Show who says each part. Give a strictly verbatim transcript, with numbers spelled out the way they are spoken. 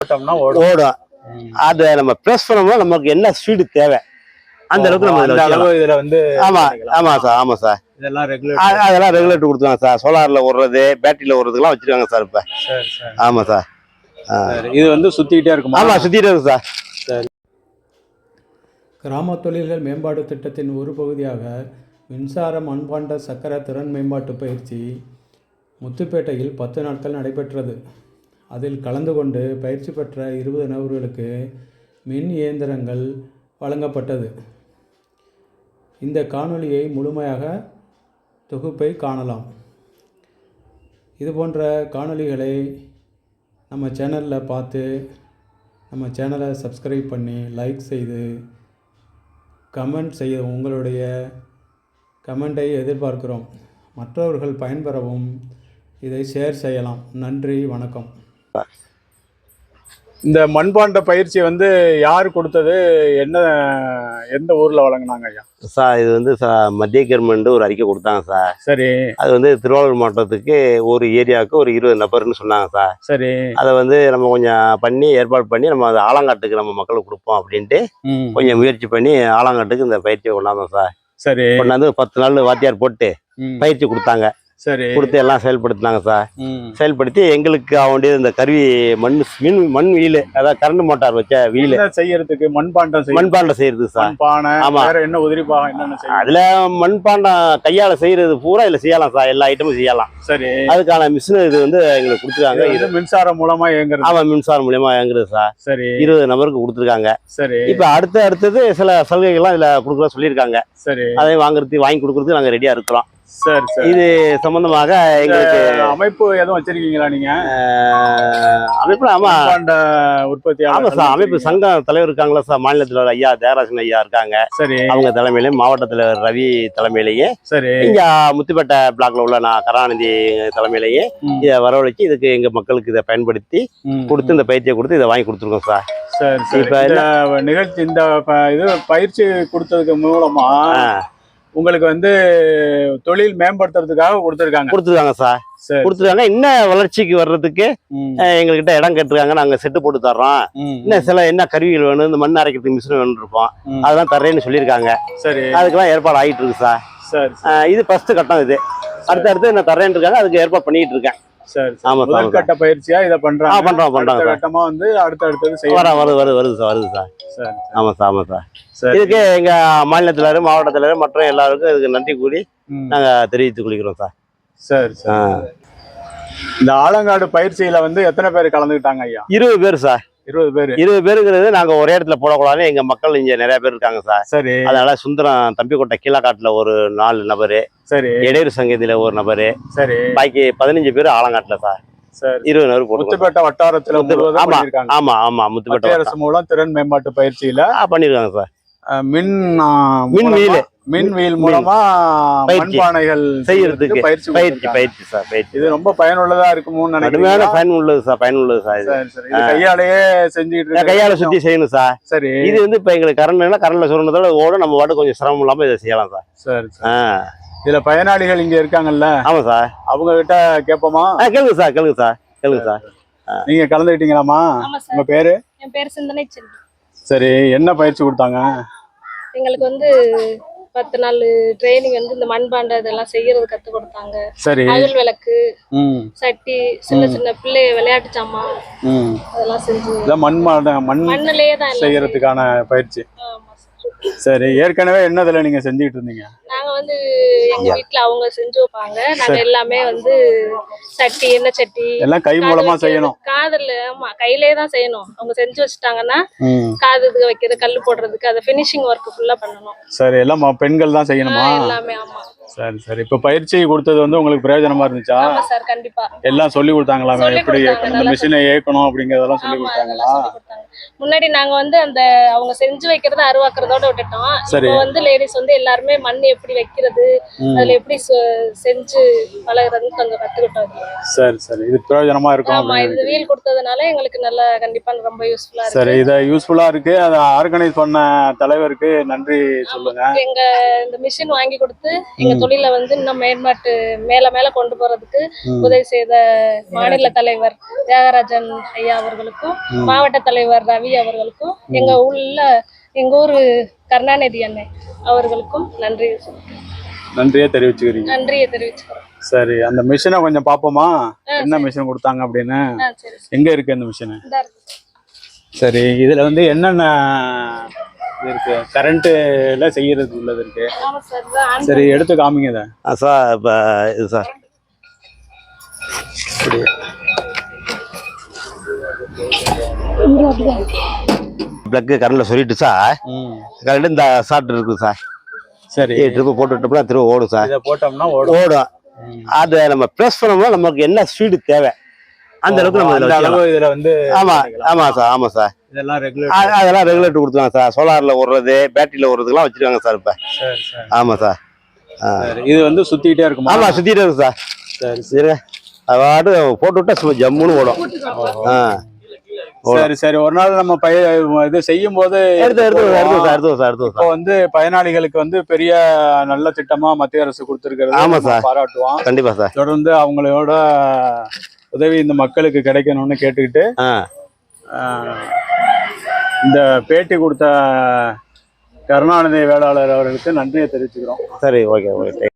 Speaker 1: ஓடும். அதை நம்ம ப்ரெஸ் பண்ணோம்னா நமக்கு என்ன ஸ்பீடு தேவை அந்த அளவுக்கு நம்ம
Speaker 2: அந்த அளவு இதுல வந்து
Speaker 1: ஆமா ஆமா சார் ஆமா சார்
Speaker 2: இதெல்லாம் ரெகுலேட்டர்
Speaker 1: அதெல்லாம் ரெகுலேட்டர் கொடுத்துருவாங்க சார். சோலார்ல ஓடுறது பேட்டரியில ஓடுறதுலாம் வச்சிருக்காங்க சார் இப்ப.
Speaker 2: சரி சரி
Speaker 1: ஆமா சார்.
Speaker 2: இது வந்து சுத்திக்கிட்டே இருக்குமா?
Speaker 1: ஆமா சுத்திட்டே இருக்கு சார்.
Speaker 2: சரி.
Speaker 3: கிராம தொழில்கள் மேம்பாட்டு திட்டத்தின் ஒரு பகுதியாக மின்சார மண்பாண்ட சக்கர திறன் மேம்பாட்டு பயிற்சி முத்துப்பேட்டையில் பத்து நாட்கள் நடைபெற்றது. அதில் கலந்து கொண்டு பயிற்சி பெற்ற இருபது நபர்களுக்கு மின் இயந்திரங்கள் வழங்கப்பட்டது. இந்த காணொளியை முழுமையாக தொகுப்பை காணலாம். இதுபோன்ற காணொளிகளை நம்ம சேனலில் பார்த்து நம்ம சேனலை சப்ஸ்கிரைப் பண்ணி லைக் செய்து கமெண்ட் செய்ய உங்களுடைய கமெண்டை எதிர்பார்க்கிறோம். மற்றவர்கள் பயன்பெறவும் இதை ஷேர் செய்யலாம். நன்றி, வணக்கம்.
Speaker 2: இந்த மண்பாண்ட பயிற்சி வந்து யார் கொடுத்தது? என்ன எந்த ஊர்ல வழங்கினாங்க ஐயா?
Speaker 1: சார் இது வந்து மத்திய கவர்மெண்ட் ஒரு அறிக்கை கொடுத்தாங்க சார்.
Speaker 2: சரி.
Speaker 1: அது வந்து திருவாரூர் மாவட்டத்துக்கு ஒரு ஏரியாவுக்கு ஒரு இருபது நபர்னு சொன்னாங்க சார்.
Speaker 2: சரி.
Speaker 1: அதை வந்து நம்ம கொஞ்சம் பண்ணி ஏற்பாடு பண்ணி நம்ம அதை ஆலங்காட்டுக்கு நம்ம மக்களுக்கு கொடுப்போம் அப்படின்ட்டு கொஞ்சம் முயற்சி பண்ணி ஆலங்காட்டுக்கு இந்த பயிற்சியை கொண்டாந்தோம் சார்.
Speaker 2: சரி.
Speaker 1: கொண்டாந்து பத்து நாள் வாத்தியார் போட்டு பயிற்சி கொடுத்தாங்க.
Speaker 2: சரி.
Speaker 1: கொடுத்து எல்லாம் செயல்படுத்தினாங்க சார். செயல்படுத்தி எங்களுக்கு ஆக இந்த கருவி மண் மின் மண் வீல், அதாவது கரண்ட் மோட்டார் வச்ச வீல்
Speaker 2: செய்யறதுக்கு மண்பாண்டம்
Speaker 1: மண்பாண்டம் செய்யறது சார்.
Speaker 2: ஆமா. என்ன உதிரி பாகம் என்னென்ன
Speaker 1: அதுல மண்பாண்டம் கையால செய்யறது பூரா இதுல செய்யலாம் சார். எல்லா ஐட்டமும் செய்யலாம்.
Speaker 2: சரி.
Speaker 1: அதுக்கான மிஷின் இது வந்து எங்களுக்கு கொடுத்துருக்காங்க.
Speaker 2: இது மின்சாரம் மூலமா இயங்குறது.
Speaker 1: ஆமா, மின்சாரம் மூலமா இயங்குறது சார்.
Speaker 2: சரி.
Speaker 1: இருபது நபருக்கு கொடுத்துருக்காங்க.
Speaker 2: சரி.
Speaker 1: இப்ப அடுத்த அடுத்தது சில சலுகைகள்லாம் இதுல கொடுக்குற சொல்லியிருக்காங்க.
Speaker 2: சரி.
Speaker 1: அதை வாங்குறதுக்கு வாங்கி கொடுக்கறதுக்கு நாங்க ரெடியா இருக்கிறோம்.
Speaker 2: சரி சரி.
Speaker 1: இது சம்பந்தமாக எங்களுக்கு
Speaker 2: அமைப்பு எதுவும் வச்சிருக்கீங்களா நீங்க?
Speaker 1: அமைப்பு ஆமா
Speaker 2: உற்பத்தி
Speaker 1: ஆமா சார். அமைப்பு சங்க தலைவர் இருக்காங்களா சார். மாநில தலைவர் ஐயா தேவராஜன் ஐயா இருக்காங்க.
Speaker 2: சரி.
Speaker 1: அவங்க தலைமையிலேயே மாவட்ட தலைவர் ரவி தலைமையிலேயே,
Speaker 2: சரி,
Speaker 1: இங்க முத்துப்பேட்டை பிளாக்ல உள்ள நான் கருணாநிதி தலைமையிலேயே இதை வரவழைச்சு இதுக்கு எங்க மக்களுக்கு இதை பயன்படுத்தி கொடுத்து இந்த பயிற்சியை கொடுத்து இதை வாங்கி கொடுத்துருக்கோம் சார்.
Speaker 2: சரி சரி. இப்ப நிகழ்ச்சி இந்த இது பயிற்சி கொடுத்ததுக்கு மூலமா உங்களுக்கு வந்து தொழில் மேம்படுத்துறதுக்காக கொடுத்துருக்காங்க
Speaker 1: கொடுத்துருக்காங்க சார். கொடுத்துருக்காங்க. இன்னும் வளர்ச்சிக்கு வர்றதுக்கு எங்ககிட்ட இடம் கேட்டுருக்காங்க. நாங்க செட்டு போட்டு தர்றோம். இன்னும் சில என்ன கருவிகள் வேணும், இந்த மண் அரைக்கிறதுக்கு மிஷின் வேணும் இருப்போம், அதெல்லாம் தர்றேன்னு சொல்லியிருக்காங்க.
Speaker 2: சரி.
Speaker 1: அதுக்கெல்லாம் ஏற்பாடு ஆகிட்டு இருக்கு சார்.
Speaker 2: சரி.
Speaker 1: இது ஃபர்ஸ்ட் கட்டம். இது அடுத்த அடுத்து என்ன தர்றேன்னு இருக்காங்க. அதுக்கு ஏற்பாடு பண்ணிட்டு இருக்கேன்.
Speaker 2: சரி. ஆமா, முதல் கட்ட பயிற்சியா இத பண்றாங்க.
Speaker 1: ஆ பண்றோம் பண்றாங்க.
Speaker 2: கட்டமா வந்து அடுத்து அடுத்து செய்ய
Speaker 1: வர வருது வருது வருது சார் வருது சார்.
Speaker 2: சரி.
Speaker 1: ஆமா சார் ஆமா சார். இதுக்கு எங்க மாநில தலைவர், மாவட்ட தலைவர் மற்ற எல்லாருக்கும் இதுக்கு நன்றி கூறி நாங்க தெரிவித்துக் கொள்கிறோம் சார்.
Speaker 2: சரி சரி. இந்த ஆலங்காடு பயிற்சியில வந்து எத்தனை பேர் கலந்துக்கிட்டாங்க ஐயா?
Speaker 1: இருபது பேர் சார்.
Speaker 2: இருபது பேர்.
Speaker 1: இருபது பேருங்கிறது நாங்க ஒரே இடத்துல போடக்கூடாது. எங்க மக்கள் இங்க நிறைய பேர் இருக்காங்க சார்.
Speaker 2: சரி.
Speaker 1: அதனால சுந்தரம் தம்பிக்கோட்டை கீழக்காட்டுல ஒரு நாலு நபரு,
Speaker 2: சரி,
Speaker 1: இடையூறு சங்கத்தில ஒரு நபரு,
Speaker 2: சரி,
Speaker 1: பாக்கி பதினஞ்சு பேர் ஆலங்காட்டுல சார்.
Speaker 2: சரி.
Speaker 1: இருபது நபர் போட்டு
Speaker 2: முத்துப்பேட்டை வட்டாரத்துல
Speaker 1: பண்ணிருக்காங்க. ஆமா ஆமா. முத்துப்பேட்டை
Speaker 2: அரசு மூலம் திறன் மேம்பாட்டு பயிற்சியில
Speaker 1: பண்ணிருக்காங்க சார்.
Speaker 2: மின்
Speaker 1: மின் வீல்
Speaker 2: மின் வீல் மூலமா மண்பானைகள்
Speaker 1: செய்யறதுக்கு பயிற்சி பயிற்சி பயிற்சி சார். பயிற்சி
Speaker 2: இது ரொம்ப பயனுள்ளதா இருக்கும்னு நினைக்கிறேன்.
Speaker 1: பயனுள்ளது சார். பயனுள்ளது சார்.
Speaker 2: இது கையாலேயே செஞ்சுட்டு
Speaker 1: கையால சுத்தி செய்யணும் சார்.
Speaker 2: சரி.
Speaker 1: இது வந்து இப்ப எங்களுக்கு கரண்ட்னா கரண்ட்ல சொல்றதோட ஓட நம்ம வாட்டு கொஞ்சம் சிரமம் இல்லாம இதை செய்யலாம் சார்.
Speaker 2: சரி. இதுல பயனாளிகள் இங்க இருக்காங்கல்ல?
Speaker 1: ஆமா சார்.
Speaker 2: அவங்க கிட்ட கேட்போமா?
Speaker 1: கேளுங்க சார் கேளுங்க சார் கேளுங்க சார்.
Speaker 2: நீங்க கலந்துக்கிட்டீங்களாமா? உங்க பேரு?
Speaker 4: என் பேரு சிந்தனை செல்வி.
Speaker 2: சரி. என்ன பயிற்சி கொடுத்தாங்க?
Speaker 4: எங்களுக்கு வந்து பத்து நாள் ட்ரைனிங் வந்து இந்த மண்பாண்ட இதெல்லாம் செய்யறது கத்து கொடுத்தாங்க.
Speaker 2: சரி.
Speaker 4: அகல் விளக்கு, சட்டி, சின்ன சின்ன பிள்ளை விளையாட்டு சாமான் அதெல்லாம் செஞ்சு
Speaker 2: மண்பாண்ட மண்
Speaker 4: மண்ணிலேயே தான்
Speaker 2: செய்யறதுக்கான பயிற்சி. சரி. ஏற்கனவே என்னதுல நீங்க செஞ்சுட்டு இருந்தீங்க?
Speaker 4: நாங்க வந்து எங்க வீட்டுல அவங்க செஞ்சு வைப்பாங்க. நாங்க எல்லாமே வந்து சட்டி, எண்ணெய் சட்டி
Speaker 2: எல்லாம் கை மூலமா செய்யணும்.
Speaker 4: காதுல ஆமா கையிலேயே தான் செய்யணும். அவங்க செஞ்சு வச்சுட்டாங்கன்னா காதுக்கு வைக்கிறது, கல்லு போடுறதுக்கு அதை பினிஷிங் ஒர்க் ஃபுல்லா பண்ணணும்.
Speaker 2: சரி. எல்லாம் பெண்கள் தான் செய்யணுமா?
Speaker 4: எல்லாமே. ஆமா.
Speaker 2: சரி சரி. இப்ப பயிற்சி கொடுத்தது வந்து உங்களுக்கு பிரயோஜனமா இருந்துச்சா?
Speaker 4: ஆமா சார், கண்டிப்பா.
Speaker 2: எல்லாம் சொல்லி கொடுத்தாங்களா? எப்படி இந்த மிஷினை இயக்கணும் அப்படிங்கறதெல்லாம் சொல்லி கொடுத்தாங்களா?
Speaker 4: முன்னாடி நாங்க வந்து அந்த அவங்க செஞ்சு வைக்கிறத அருவாக்குறதோட விட்டுட்டோம். இப்போ வந்து லேடிஸ் வந்து எல்லாருமே மண் எப்படி வைக்கிறது, அதுல எப்படி செ- செஞ்சு பழகுறதுன்னு கொஞ்சம் கத்துக்கிட்டோம் இதுல.
Speaker 2: சரி சரி இது பிரயோஜனமா இருக்கும்
Speaker 4: ஆமா,
Speaker 2: அப்படின்னு
Speaker 4: இது வீல் கொடுத்ததுனால எங்களுக்கு நல்லா கண்டிப்பா ரொம்ப யூஸ்ஃபுல்லா இருக்கு.
Speaker 2: சரி இதை யூஸ்ஃபுல்லா இருக்கு. அதை ஆர்கனைஸ் பண்ண தலைவருக்கு நன்றி சொல்லுங்க.
Speaker 4: எங்க இந்த மிஷின் வாங்கி கொடுத்து எங்க தொழிலை வந்து இன்னும் மேம்பாட்டு மேல மேல கொண்டு போறதுக்கு உதவி செய்த மாநில தலைவர் தியாகராஜன் ஐயா அவர்களுக்கும், மாவட்ட தலைவர் ரவி அவர்களுக்கும், எங்க உள்ள எங்க ஊரு கருணாநிதி அண்ணன் அவர்களுக்கும் நன்றி சொல்றேன்.
Speaker 2: நன்றியே தெரிவிச்சுக்கிறீங்க.
Speaker 4: நன்றியை தெரிவிச்சுக்கிறோம்.
Speaker 2: சரி அந்த மிஷினை கொஞ்சம் பார்ப்போமா, என்ன மிஷின் கொடுத்தாங்க அப்படின்னு.
Speaker 4: ஆ சரி சரி.
Speaker 2: எங்க இருக்கு அந்த மிஷின்?
Speaker 4: இந்தா இருக்கு.
Speaker 2: சரி இதுல வந்து என்னென்ன இது இருக்கு, கரண்ட்ல செய்யறது உள்ளது இருக்கு.
Speaker 4: ஆமா சார், இதான் ஆன்
Speaker 2: சரி எடுத்து காமிங்க இதை.
Speaker 1: ஆ, சார் இப்போ இது சார் பிளக்கு கரண்டில் சொல்லிட்டு சார்,
Speaker 2: ம்
Speaker 1: கரண்ட் இந்த ஷார்ட் இருக்குது சார்,
Speaker 2: சரி
Speaker 1: ட்ரிப்பு போட்டு விட்டோம்னா திரும்ப ஓடும் சார்.
Speaker 2: இதை போட்டோம்னா ஓடும்.
Speaker 1: ஓடும். அதை நம்ம ப்ரெஸ் பண்ணோம்னா நமக்கு என்ன ஸ்பீடு தேவை அந்த அளவுக்கு நம்ம
Speaker 2: அந்த
Speaker 1: இதில்
Speaker 2: அளவு இதுல வந்து
Speaker 1: ஆமா ஆமா சார், ஆமா சார்.
Speaker 2: இதெல்லாம் ரெகுலேட்.
Speaker 1: அ- அதெல்லாம் ரெகுலேட்டர் கொடுத்துருவாங்க சார். சோலார்ல ஓடுறது, பேட்டரியில ஓடுறதுக்குலாம் வச்சிருக்காங்க சார் இப்ப.
Speaker 2: சரி சரி
Speaker 1: ஆமா சார். ஆ.
Speaker 2: சரி இது வந்து சுத்திட்டே இருக்குமா?
Speaker 1: ஆமா சுத்திட்டே இருக்கு சார்.
Speaker 2: சரி
Speaker 1: சரி அவாடு போட்டு விட்டா சும்மா ஜம்முன்னு ஓடும். ஆ.
Speaker 2: சரி சரி ஒரு நாள் நம்ம பய இது செய்யும் போது
Speaker 1: எடுத்து எடுத்து எடுத்து சார் எடுத்து சார் எடுத்து
Speaker 2: இப்போ
Speaker 1: சார்.
Speaker 2: வந்து பயனாளிகளுக்கு வந்து பெரிய நல்ல திட்டமா மத்திய அரசு கொடுத்திருக்கிறது
Speaker 1: ஆமா
Speaker 2: நம்ம
Speaker 1: சார்.
Speaker 2: பாராட்டுவோம்.
Speaker 1: கண்டிப்பா சார்.
Speaker 2: தொடர்ந்து அவங்களோட உதவி இந்த மக்களுக்கு கிடைக்கணும்னு கேட்டுக்கிட்டு
Speaker 1: ஆ.
Speaker 2: ஆஹ், இந்த பேட்டி கொடுத்த கருணாநிதி வேளாளர் அவர்களுக்கு நன்றியை தெரிவிச்சுக்கிறோம்.
Speaker 1: சரி ஓகே ஓகே.